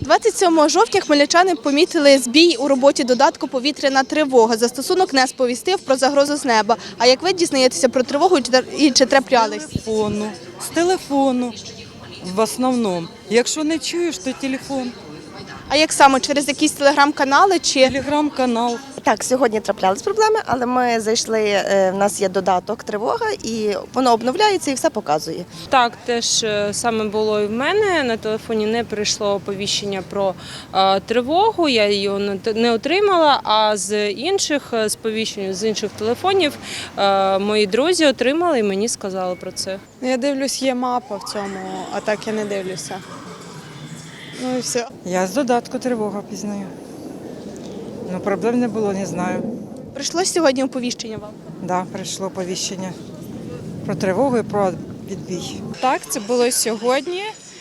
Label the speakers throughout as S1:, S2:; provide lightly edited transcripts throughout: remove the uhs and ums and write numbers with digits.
S1: 27 жовтня хмельничани помітили збій у роботі додатку «Повітряна тривога». Застосунок не сповістив про загрозу з неба. А як ви дізнаєтеся про тривогу і чи траплялись?
S2: З телефону в основному. Якщо не чуєш, то телефон.
S1: А як саме? Через якісь телеграм-канали чи…
S2: Телеграм-канал.
S3: Так, сьогодні траплялись проблеми, але ми зайшли, в нас є додаток «Тривога» і воно обновляється і все показує.
S4: Так, теж саме було і в мене. На телефоні не прийшло оповіщення про тривогу, я його не отримала, а з інших сповіщень, з інших телефонів мої друзі отримали і мені сказали про це.
S5: Я дивлюсь, є мапа в цьому, а так я не дивлюся. Ну і все.
S6: Я з додатку «Тривога» пізнаю. Ну, проблем не було, не знаю.
S1: Прийшло сьогодні оповіщення вам?
S6: Да, прийшло повіщення про тривогу і про відбій.
S5: Так, це було сьогодні.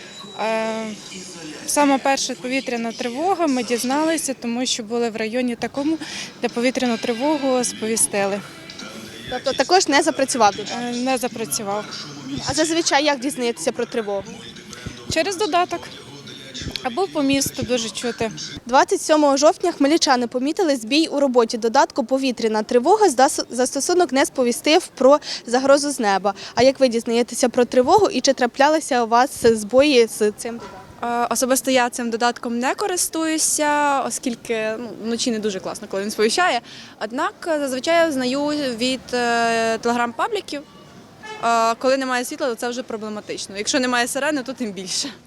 S5: Саме перша повітряна тривога ми дізналися, тому що були в районі такому, де повітряну тривогу сповістили.
S1: Тобто також не запрацював додаток?
S5: Не запрацював.
S1: А зазвичай як дізнаєтеся про тривогу?
S5: Через додаток. Або по місту дуже чути.
S1: 27 жовтня хмельничани помітили збій у роботі додатку «Повітряна тривога». Застосунок не сповістив про загрозу з неба. А як ви дізнаєтеся про тривогу і чи траплялися у вас збої з цим додатком?
S7: Особисто я цим додатком не користуюся, оскільки вночі не дуже класно, коли він сповіщає. Однак зазвичай я знаю від телеграм-пабліків. Коли немає світла, то це вже проблематично. Якщо немає сирени, то тим більше.